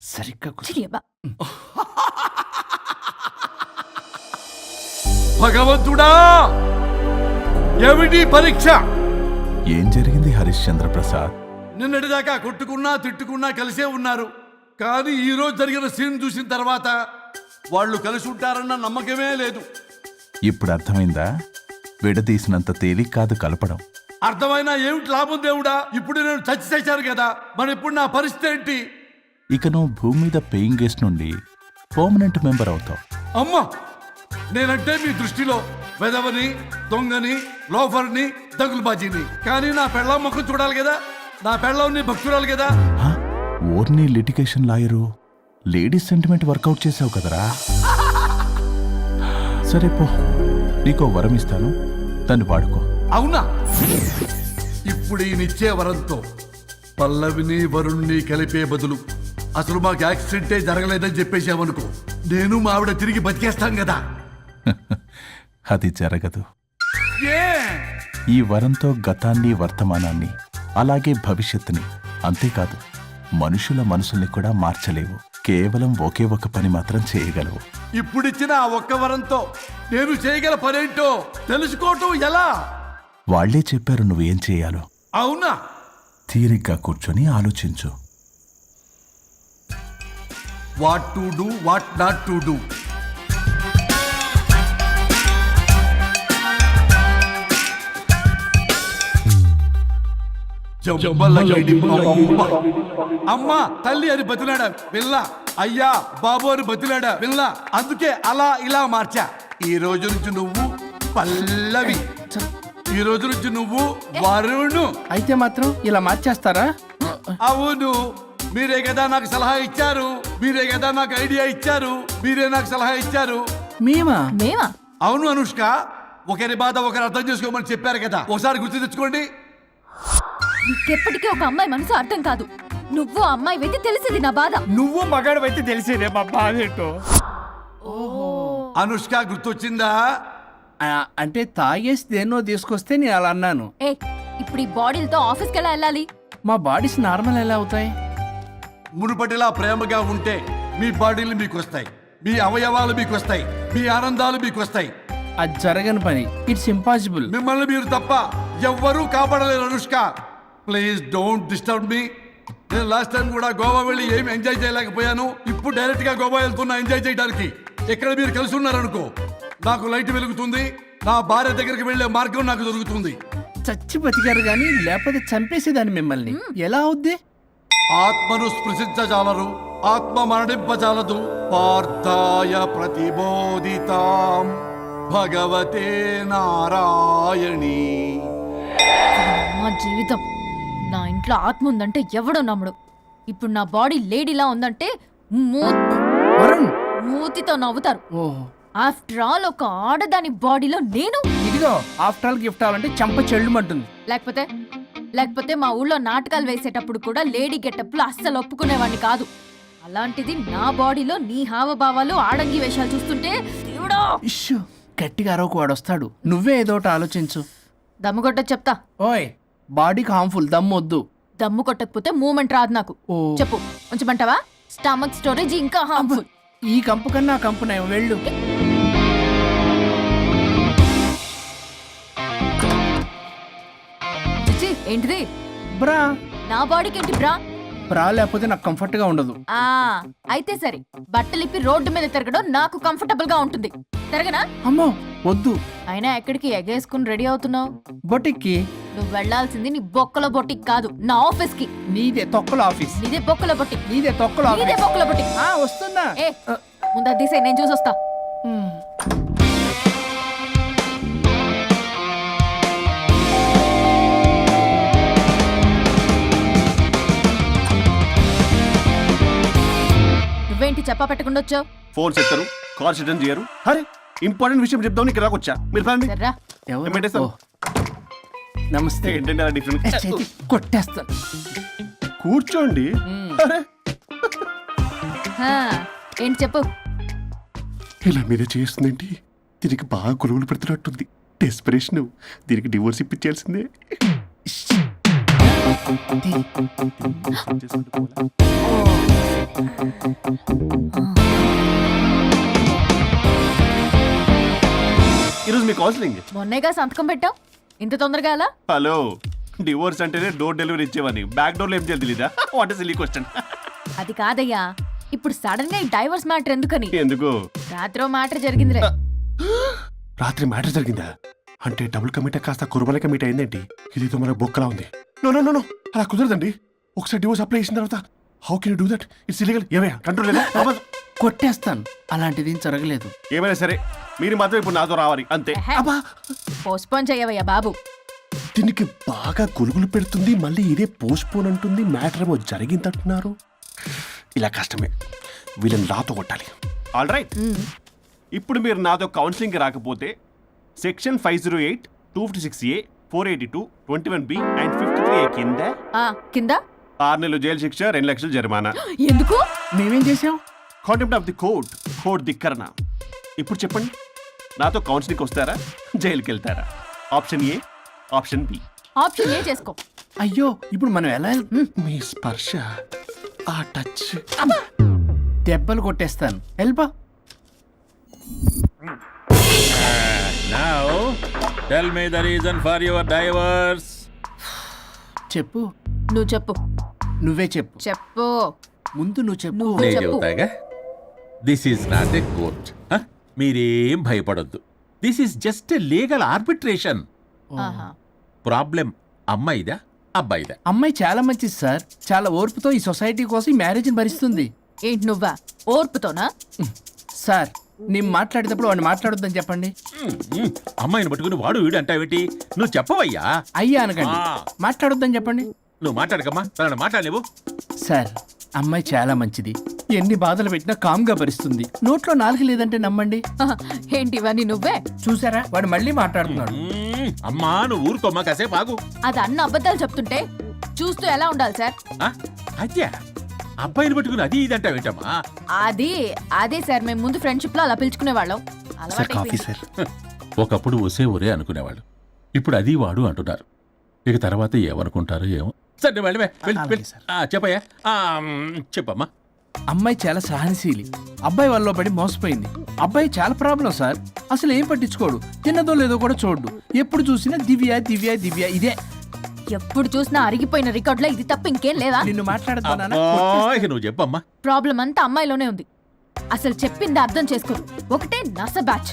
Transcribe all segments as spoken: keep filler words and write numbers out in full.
సరిగ్గా కూర్చో. చిరియబ్బా. భగవంతుడా, ఏమిటి పరీక్ష? ఏం జరిగింది హరిశ్చంద్ర ప్రసాద్? నిన్నటిదాకా కొట్టుకున్నా తిట్టుకున్నా కలిసే ఉన్నారు. కానీ ఈ రోజు జరిగిన సీన్ చూసిన తర్వాత వాళ్ళు కలిసి ఉంటారన్న నమ్మకమే లేదు. ఇప్పుడు అర్థమైందా? విడదీసినంత తేలిక కాదు కలపడం. అర్థమైనా ఏమిటి లాభం దేవుడా? ఇప్పుడు నేను చచ్చి చేశాను కదా, మరి ఇప్పుడు నా పరిస్థితి ఏంటి? ఇక నువ్వు భూమి మీద పేయింగ్ గెస్ట్ నుండి పర్మనెంట్ మెంబర్ అవుతావు. అమ్మా, నేనంటే మీ దృష్టిలో వెదవని, దొంగని, లోఫర్ని, దగులుబాజీని. కానీ నా పెళ్ళం ముఖం చూడాలి కదా, నా పెళ్ళంని భక్తురాలు కదా. హ? ఓర్ని litigation lawyer, ladies sentiment work out చేసావు కదరా. సరే పో, నీకో వరం ఇస్తాను, దాన్ని వాడుకో. అవునా? ఇప్పుడు ఈయనిచ్చే వరంతో పల్లవిని వరుణ్ణి కలిపే బదులు అసలు మాకు యాక్సిడెంటే జరగలేదని చెప్పేసామనుకో, నేను మా ఆవిడ తిరిగి బతికేస్తాం కదా. అది జరగదు. ఏ ఈ వరంతో గతాన్ని, వర్తమానాన్ని, అలాగే భవిష్యత్తుని, అంతేకాదు మనుషుల మనసుల్ని కూడా మార్చలేవు. కేవలం ఒకే ఒక పని మాత్రం చేయగలవు. ఇప్పుడిచ్చిన ఆ ఒక్క వరంతో నేను చేయగల పనేంటో తెలుసుకోవటం ఎలా? వాళ్లే చెప్పారు నువ్వేం చేయాలో. అవునా? తీరిగ్గా కూర్చొని ఆలోచించు. What to do, what not to do. అమ్మా తల్లి అని బతిలాడా పిల్ల, అయ్యా బాబు అని బతిలాడా పిల్ల. అందుకే అలా ఇలా మార్చా. ఈ రోజు నుంచి నువ్వు పల్లవి, ఈ రోజు నుంచి నువ్వు వరుణు. అయితే మాత్రం ఇలా మార్చేస్తారా? అవును, మీరే కదా నాకు సలహా ఇచ్చారు, మీరే కదా నాకు ఐడియా ఇచ్చారు, మీరే నాకు సలహా ఇచ్చారు. మేమా? మేమా? అవును అనుష్క, ఒకరి బాధ ఒకరు అర్థం చేసుకోమని చెప్పారు కదా, ఒకసారి గుర్తు తెచ్చుకోండి. నీకెప్పటికీ ఒక అమ్మాయి మనసు అర్థం కాదు. నువ్వు అమ్మాయి అయితే తెలిసేది నా బాధ. నువ్వు మగాడు అయితే తెలిసేదే మా బాధ ఏంటో. అనుష్క గుర్తొచ్చిందా? ఆ, అంటే తాగేసి దేన్నో తీసుకొస్తే నేను అలా అన్నాను. ఏ ఇప్పుడు ఈ బాడీలతో ఆఫీస్కి ఎలా వెళ్ళాలి? మా బాడీస్ నార్మల్ ఎలా అవుతాయి? మునుపటిలా ప్రేమగా ఉంటే మీ బాడీలు మీకు వస్తాయి, మీ అవయవాలు మీకు వస్తాయి, మీ ఆనందాలు మీకు వస్తాయి. అది జరగని పని. It's impossible. మిమ్మల్ని మీరు తప్ప ఎవ్వరూ కాపాడలేరు Anushka. Please don't disturb me. నేను లాస్ట్ టైం కూడా గోవా వెళ్ళి ఏమి ఎంజాయ్ చేయలేకపోయాను. ఇప్పుడు డైరెక్ట్ గా గోవా వెళ్తున్నా ఎంజాయ్ చేయడానికి. ఇక్కడ మీరు కలిసి ఉన్నారనుకో, నాకు లైట్ వెలుగుతుంది, నా భార్య దగ్గరికి వెళ్లే మార్గం నాకు దొరుకుతుంది. చచ్చి బతికారు గాని లేకపోతే చంపేసేదాన్ని మిమ్మల్ని. ఎలా అవుద్ది? ఆత్మను స్పృశించజాలరు, ఆత్మ మరణింపజాలదు. పార్థాయ ప్రతిబోధితాం భగవతే నారాయణి. మా జీవితం, నా ఇంట్లో ఆత్మ ఉందంటే ఎవడో నమ్ముడు. ఇప్పుడు నా బాడీ లేడీలా ఉందంటే మూ- వరుణ్, మూతితో నవ్వుతారు. ఓహో, ఆఫ్టర్ ఆల్ ఒక ఆడదాని బాడీలో నేను. ఇదిగో ఆఫ్టర్ ఆల్ గిఫ్ట్ అవ్వాలంటే చంప చెల్లుమంటుంది. లేకపోతే లేకపోతే మా ఊళ్ళో నాటకాలు వేసేటప్పుడు కూడా లేడీ గెటప్లు అస్సలు ఒప్పుకునేవాడిని కాదు. అలాంటిది నా బాడీలో నీ హావభావాలు, ఆడంగి వేషాలు చూస్తుంటే దేవుడో. ఇష్యూ, గట్టిగా అరవకు, వాడు వస్తాడు. నువ్వే ఏదో ఒకటి ఆలోచించు. దమ్ము కొట్ట చెప్తా. ఓయ్, బాడీకి హార్మ్ఫుల్, దమ్మొద్దు. దమ్ము కొట్టకపోతే మూమెంట్ రాదు నాకు. ఓ. చెప్పు, ఉంచమంటావా? స్టమక్ స్టోరేజ్ ఇంకా హార్మ్ఫుల్. ఈ కంపు కన్నా ఆ కంపు నయం, వెళ్ళు. చిచి, ఏంటిది? బ్రా. నా బాడీకి ఏంటి బ్రా? బ్రా లేకపోతే నాకు కంఫర్ట్ గా ఉండదు. ఆ అయితే సరే, బట్టలిప్పి రోడ్డు మీద తిరగడం నాకు కంఫర్టబుల్ గా ఉంటుంది. తిరగనా? అమ్మో వద్దు. అయినా ఎక్కడికి ఎగేసుకుని రెడీ అవుతున్నావు? బొటిక్కి. నువ్వు వెళ్లాల్సింది నీ బొక్కల బొట్టికి కాదు, నా ఆఫీస్ కి. నీదే తొక్కల ఆఫీస్. నీదే బొక్కల బొట్టి. నీదే తొక్కల నీదే ఆఫీస్. బొక్కల బొట్టి. ఆ, వస్తున్నా. ఏ ముందు అది తీసేయ్, నేను చూసొస్తా. మ్. నువ్వేంటి చెప్పా పెట్టకుండా వచ్చావు? ఫోన్ చెప్తారు, కాల్ అటెండ్ చేయరు. అరే ఇంపార్టెంట్ విషయం చెప్దాం ఇక్కడ రాకొచ్చా. మీరు పదండి. సర్రా. ఎవరు? ఏం పెట్టేస్తావు? ఓ. నమస్తే. ఏంటంటే అలా డిఫరెంట్. ఏ, చేతి కొట్టేస్తాను. కూర్చోండి. అరే హా, ఏంటి చెప్పు. ఇలా మీరే చేస్తుందండి. దీనికి బాగా గురువులు పెడుతున్నట్టుంది. డెస్పిరేషన్. దీనికి డివోర్స్ ఇప్పించాల్సిందే. ఓ, ఈరోజు మీ కౌన్సిలింగ్. మొన్నేగా సంతకం పెట్టావు, ఇంత తొందరగా ఎలా? హలో, డివోర్స్ అంటేనే డోర్ డెలివరీ ఇచ్చేవని బ్యాక్ డోర్లో ఏం చేయాలి తెలీదా? What is silly question. అది కాదయ్యా, ఇప్పుడు సడన్ గా ఈ డైవర్స్ మ్యాటర్ ఎందుకని? ఎందుకు? రాత్రో మ్యాటర్ జరిగిందిలే. రాత్రి మ్యాటర్ జరిగిందా? అంటే డబుల్ కమిట్ కాస్త కుర్బల కమిట్ అయిందేంటి? ఇది మనకు బొక్కలా ఉంది. నో నో నో నో అలా కుదరదండి. ఒకసారి డివోర్స్ అప్లై చేసిన తర్వాత how can you do that? It's illegal. ఏమయ్యా కంట్రోల్ లేదా? అవ్వదు. కొట్టేస్తాను, అలాంటిది ఏం జరగలేదు. ఏమైనా సరే మీరు మాత్రం ఇప్పుడు నాతో రావాలి అంతే. ఎహె. అబ్బా, పోస్ట్పోన్ చేయవయ్యా బాబు. దీనికి బాగా గొలుగులు పెడుతుంది, మళ్ళీ ఇదే పోస్ట్ పోన్ అంటుంది. మ్యాటర్ ఏమో జరిగిందంటున్నారు. ఇలా కష్టమే, వీళ్ళని నాతో కొట్టాలి. ఆల్ రైట్, ఇప్పుడు మీరు నాతో కౌన్సిలింగ్కి రాకపోతే section five zero eight two fifty six A four eighty two twenty one B and fifty three A కింద ఆ కింద ఆరు నెలలు జైలు శిక్ష, రెండు లక్షలు జరిమానా. ఎందుకు? మేమేం చేసాం? Contempt of the court, court ధిక్కరణ. ఇప్పుడు చెప్పండి, నాతో కౌన్సిలింగ్కి వస్తారా, జైలుకి వెళ్తారా? Option A, option B. Option A చేసుకో. అయ్యో, ఇప్పుడు మనం ఎలా వెళ్తాం? మీ స్పర్శ, ఆ టచ్. దెబ్బలు కొట్టేస్తాను, వెళ్ళిపో. Now, tell me the reason for your divorce. చెప్పు, నువ్వు చెప్పు. నువ్వే చెప్పు. చెప్పు. ముందు నువ్వు చెప్పు. నువ్వు నేను చెప్పు. చెబుతాగా. This is not a court. మీరేం భయపడొద్దు. This is just a legal arbitration. ఆహా. ప్రాబ్లం అమ్మాయిదా అబ్బాయిదా? అమ్మాయి చాలా మంచిది సార్, చాలా ఓర్పుతో ఈ సొసైటీ కోసం ఈ మ్యారేజ్ని భరిస్తుంది. ఏంటి నువ్వా ఓర్పుతోనా? సార్, నేను మాట్లాడేటప్పుడు వాడిని మాట్లాడొద్దని చెప్పండి. మ్మ్, మ్మ్. అమ్మాయిని పట్టుకుని వాడు వీడు అంటావేంటి? నువ్వు చెప్పవయ్యా. అయ్యా అనకండి, ఆ. మాట్లాడొద్దని చెప్పండి. నువ్వు మాట్లాడకమ్మా, తనను మాట్లాడలేవు. సార్, అమ్మాయి చాలా మంచిది, ఎన్ని బాధలు పెట్టినా కామ్గా భరిస్తుంది. నోట్లో నాలుగు లేదంటే నమ్మండి. ఆహా. ఏంటి ఇవన్నీ నువ్వే? చూసారా, వాడు మళ్ళీ మాట్లాడుతున్నాడు. మ్మ్, అమ్మా నువ్వు ఊరుకోమ్మా, కాసేపు ఆగు. అది అన్న అబద్ధాలు చెప్తుంటే చూస్తూ ఎలా ఉండాలి సార్? ఆ, అద్యా అబ్బాయిని పట్టుకుని అది ఇది అంటావేంటమ్మా? అది అదే సార్, మేము ముందు ఫ్రెండ్షిప్ లో అలా పిలుచుకునే వాళ్ళం. Sir coffee sir. ఒకప్పుడు ఒసే ఒరే అనుకునేవాళ్ళు, ఇప్పుడు అది వాడు అంటున్నారు. ఇక తర్వాత ఏమనుకుంటారో ఏమో. సరే వెళ్ళి అలాగే సార్. చెప్పయ్యా. ఆ, మ్, చెప్పమ్మా. అమ్మాయి చాలా సహనశీలి, అబ్బాయి వల్ల పడి మోసపోయింది. అబ్బాయి చాలా ప్రాబ్లం సార్, అసలు ఏం పట్టించుకోడు, తిన్నదో లేదో కూడా చూడు. ఎప్పుడు చూసినా దివ్య దివ్య దివ్య ఇదే. ఎప్పుడు చూసినా అరిగిపోయిన రికార్డులో ఇది తప్ప ఇంకేం లేదా? నిన్ను మాట్లాడతానా? అబ్బా, ఇక నువ్వు చెప్పమ్మా. ప్రాబ్లం అంతా అమ్మాయిలోనే ఉంది. అసలు చెప్పింది అర్థం చేసుకోదు, ఒకటే నస బ్యాచ్.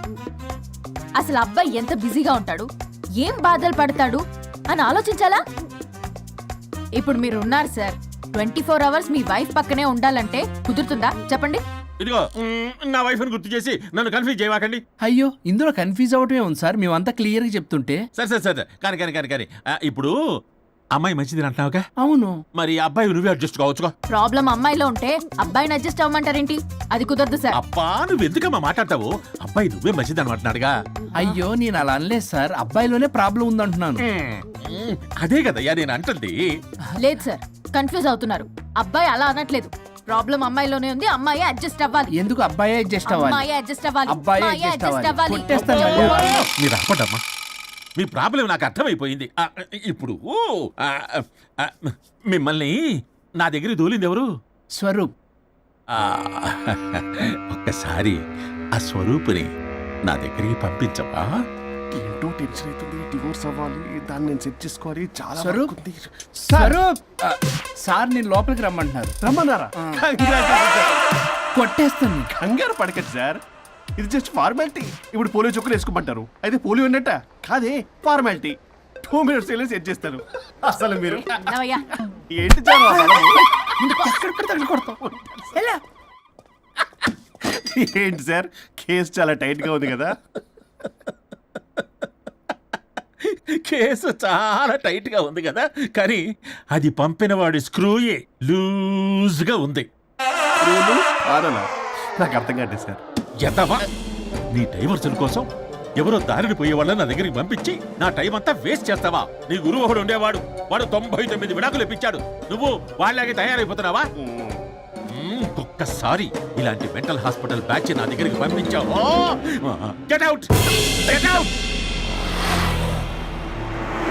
అసలు అబ్బాయి ఎంత బిజీగా ఉంటాడు, ఏం బాధలు పడతాడు అని ఆలోచించాలా? ఇప్పుడు మీరు ఉన్నారు సార్, ట్వంటీ ఫోర్ అవర్స్ మీ వైఫ్ పక్కనే ఉండాలంటే కుదురుతుందా చెప్పండి? ఇదిగో మ్, నా వైఫ్ని గుర్తు చేసి నన్ను కన్ఫ్యూజ్ చేయవాకండి. అయ్యో, ఇందులో కన్ఫ్యూజ్ అవటమే ఉంది సార్, మేమంతా క్లియర్ గా చెప్తుంటే. సరే సరే సరే కానీ కానీ కానీ కానీ ఆ, ఇప్పుడు అమ్మాయి మంచిది అంటున్నావుగా, అవును. మరి అబ్బాయి నువ్వే అడ్జస్ట్ కావచ్చుగా. ప్రాబ్లం అమ్మాయిలో ఉంటే అబ్బాయిని అడ్జస్ట్ అవ్వమంటారేంటి? అది కుదరదు సార్. అబ్బా నువ్వు ఎందుకమ్మా మాట్లాడతావు? అబ్బాయి నువ్వే మంచిది అనమాటున్నాడుగా. అయ్యో, నేను అలా అనలేదు సార్, అబ్బాయిలోనే ప్రాబ్లం ఉందంటున్నాను. మ్, అదే కదయ్యా నేను అంటుంది. లేదు సార్, కన్ఫ్యూజ్ అవుతున్నారు. అబ్బాయి అలా అనట్లేదు, ప్రాబ్లం అమ్మాయిలోనే ఉంది, అమ్మాయి అడ్జస్ట్ అవ్వాలి. ఎందుకు అబ్బాయి అడ్జస్ట్ అవ్వాలి? అమ్మాయి అడ్జస్ట్ అవ్వాలి. అబ్బాయి అమ్మాయి adjust adjust అవ్వాలి. అవ్వాలి. కొట్టేస్తాను అయ్యో. మళ్ళీ. మీరు ఆపడమ్మా, మీ ప్రాబ్లం నాకు అర్థమైపోయింది. ఆ, ఇప్పుడు ఆ, ఆ, మిమ్మల్ని నా దగ్గర దూలింది ఎవరు? స్వరూప్. ఆ, ఒక్కసారి ఆ స్వరూపుని నా దగ్గరికి పంపించవా? ఏంటో టెన్షన్ అవుతుంది. డివోర్స్ అవ్వాలి, దాన్ని నేను సెట్ చేసుకోవాలి, చాలా స్వరూప్? వర్క్ ఉంది. స్వరూప్, ఆ, సార్ నేను లోపలికి రమ్మంటున్నారు. రమ్మన్నారా? Congratulations, sir. కొట్టేస్తాను. కంగారు పడకండి సార్, ఇది జస్ట్ ఫార్మాలిటీ. ఇప్పుడు పోలియో చుక్కలు వేసుకోమంటారు, అయితే పోలియో ఉన్నట్ట కాదే, ఫార్మాలిటీ. టూ మినిట్స్ వెళ్ళి సెట్ చేస్తారు. అసలు మీరు వెళ్ళవయ్యా. ఏంటి చాలా ఎక్కడ పడితే అక్కడ కొడతావు. ఎలా? ఏంటి సార్, కేసు చాలా టైట్ గా ఉంది కదా? కేసు చాలా టైట్ గా ఉంది కదా, కానీ అది పంపిన వాడి స్క్రూయే లూజ్ గా ఉంది. రూలు ఆడనా? నాకు అర్థం కాదు సార్. ఎంతవా నీ డైవర్సన్ కోసం ఎవరో దారిని పోయే వాళ్ళని నా దగ్గరికి పంపించి నా టైం అంతా వేస్ట్ చేస్తావా? నీ గురువు ఒకడు ఉండేవాడు, వాడు తొంభై తొమ్మిది విడాకులు ఇప్పించాడు. నువ్వు వాళ్ళలాగే తయారైపోతున్నావా? మ్మ్, ఒక్కసారి ఇలాంటి మెంటల్ హాస్పిటల్ బ్యాచ్ నా దగ్గరికి పంపించావు, get out get out.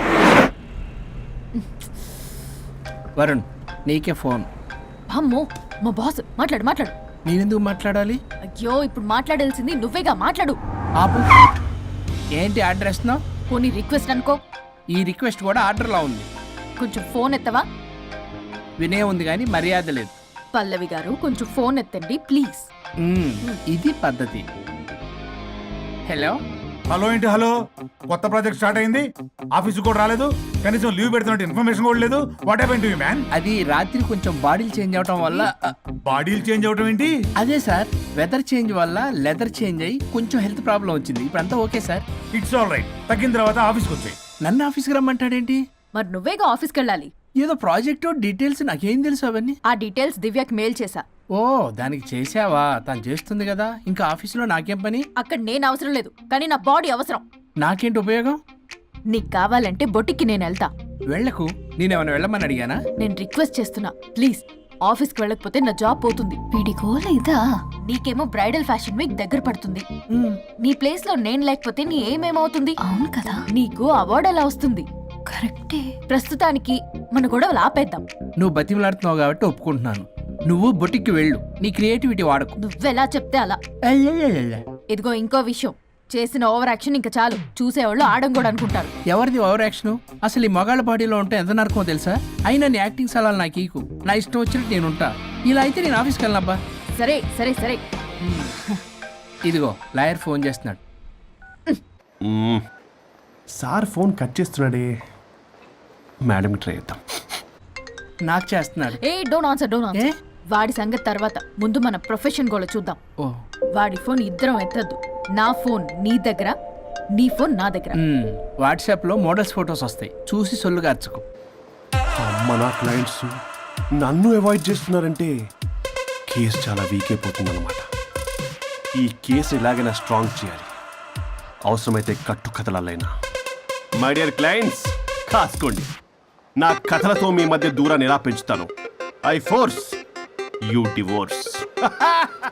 Varun, నీకే ఫోన్. అమ్మో, మా బాస్ మాట్లాడు మాట్లాడు. నేనెందుకు మాట్లాడాలి? అయ్యో ఇప్పుడు మాట్లాడాల్సింది నువ్వేగా, మాట్లాడు. ఆపు. ఏంటి ఆర్డర్ ఇస్తున్నావు? పోనీ రిక్వెస్ట్ అనుకో. ఈ రిక్వెస్ట్ కూడా ఆర్డర్లో ఉంది. కొంచెం ఫోన్ ఎత్తవా? వినే ఉంది కానీ మర్యాద లేదు. పల్లవి గారు కొంచెం ఫోన్ ఎత్తండి ప్లీజ్. మ్మ్, ఇది పద్ధతి. హలో. హలో ఏంటి హలో? కొత్త ప్రాజెక్ట్ స్టార్ట్ అయింది, ఆఫీస్ కూడా రాలేదు, కనీసం లీవ్ పెడుతున్నట్టు ఇన్ఫర్మేషన్ కూడా లేదు. What happen to you man? అది రాత్రి కొంచెం బాడీలు చేంజ్ అవటం వల్ల అ, బాడీలు చేంజ్ అవటం ఏంటి? అదే సార్, వెదర్ చేంజ్ వల్ల లెదర్ చేంజ్ అయ్యి కొంచెం హెల్త్ ప్రాబ్లం వచ్చింది. ఇప్పుడు అంతా okay sir. It's all right. తగ్గిన తర్వాత ఆఫీస్కి వచ్చాయి. నన్ను ఆఫీస్కి రమ్మంటాడేంటి? మరి నువ్వేగా ఆఫీస్కి వెళ్ళాలి. ఏదో ప్రాజెక్టు డీటెయిల్స్ నాకేం తెలుసు అవన్నీ. ఆ డీటెయిల్స్ దివ్యకి మెయిల్ చేశా. ఓ దానికి చేసావా? తను చేస్తుంది కదా, ఇంకా ఆఫీసులో నాకేం పని? అక్కడ నేను అవసరం లేదు, కానీ నా బాడీ అవసరం. నాకేంటి ఉపయోగం? నీకు కావాలంటే బొటిక్కి నేను వెళ్తా. వెళ్ళకు. నేనేమైనా వెళ్ళమని అడిగానా? నేను రిక్వెస్ట్ చేస్తున్నా ప్లీజ్. ఆఫీస్కి వెళ్ళకపోతే నా జాబ్ పోతుంది. వీడికో లేదా? నీకేమో బ్రైడల్ ఫ్యాషన్ వీక్ దగ్గర పడుతుంది. నీ ప్లేస్ లో నేను లేకపోతే నీ ఏమేమవుతుంది? అవును కదా. నీకు అవార్డు ఎలా వస్తుంది? కరెక్టే. ప్రస్తుతానికి మన గొడవలు ఆపేద్దాం. నువ్వు బతిమలాడుతున్నావు కాబట్టి ఒప్పుకుంటున్నాను. నువ్వు బొటిక్కి వెళ్ళు, నీ క్రియేటివిటీ వాడకు. నువ్వెలా చెప్తే అలా. అయ్యయ్యయ్యయ్య. ఇదిగో ఇంకో విషయం, చేసిన ఓవర్ యాక్షన్ ఇంకా చాలు. చూసేవాళ్ళు ఆడం కూడా అనుకుంటారు. ఎవరిది ఓవర్ యాక్షన్? అసలు ఈ మగాళ్ళ బాడీలో ఉంటే ఎంత నరకమో తెలుసా? అయినా నీ యాక్టింగ్ సలాలు నాకు ఈకు. నా ఇష్టం వచ్చినట్టు నేను ఉంటా. ఇలా అయితే నేను ఆఫీస్కి వెళ్ళనబ్బా. సరే సరే సరే. ఇదిగో లాయర్ ఫోన్ చేస్తున్నాడు. మ్మ్. సార్ ఫోన్ కట్ చేస్తున్నాడే. మేడంకి ట్రై చేద్దాం. నాకు చేస్తున్నాడు. ఏ డోంట్ ఆన్సర్ డోంట్ ఏ? ఆన్సర్. వాడి సంగతి తర్వాత, ముందు మన ప్రొఫెషన్ కూడా చూద్దాం. ఓ వాడి ఫోన్ ఇద్దరం ఎత్తద్దు. నా ఫోన్ నీ దగ్గర, నీ ఫోన్ నా దగ్గర. మ్మ్. వాట్సాప్లో మోడల్స్ ఫొటోస్ వస్తాయి, చూసి సొల్లుగా అర్చుకో. అమ్మ నా క్లయింట్స్ నన్ను అవాయిడ్ చేస్తున్నారంటే కేసు చాలా వీక్ అయిపోతుంది అనమాట. ఈ కేసు ఎలాగైనా స్ట్రాంగ్ చేయాలి, అవసరమైతే కట్టు కథలైనా. మై డియర్ క్లయింట్స్, కాసుకోండి. నా కథలతో మీ మధ్య దూరాన్ని ఎలా పెంచుతాను. I force you divorce.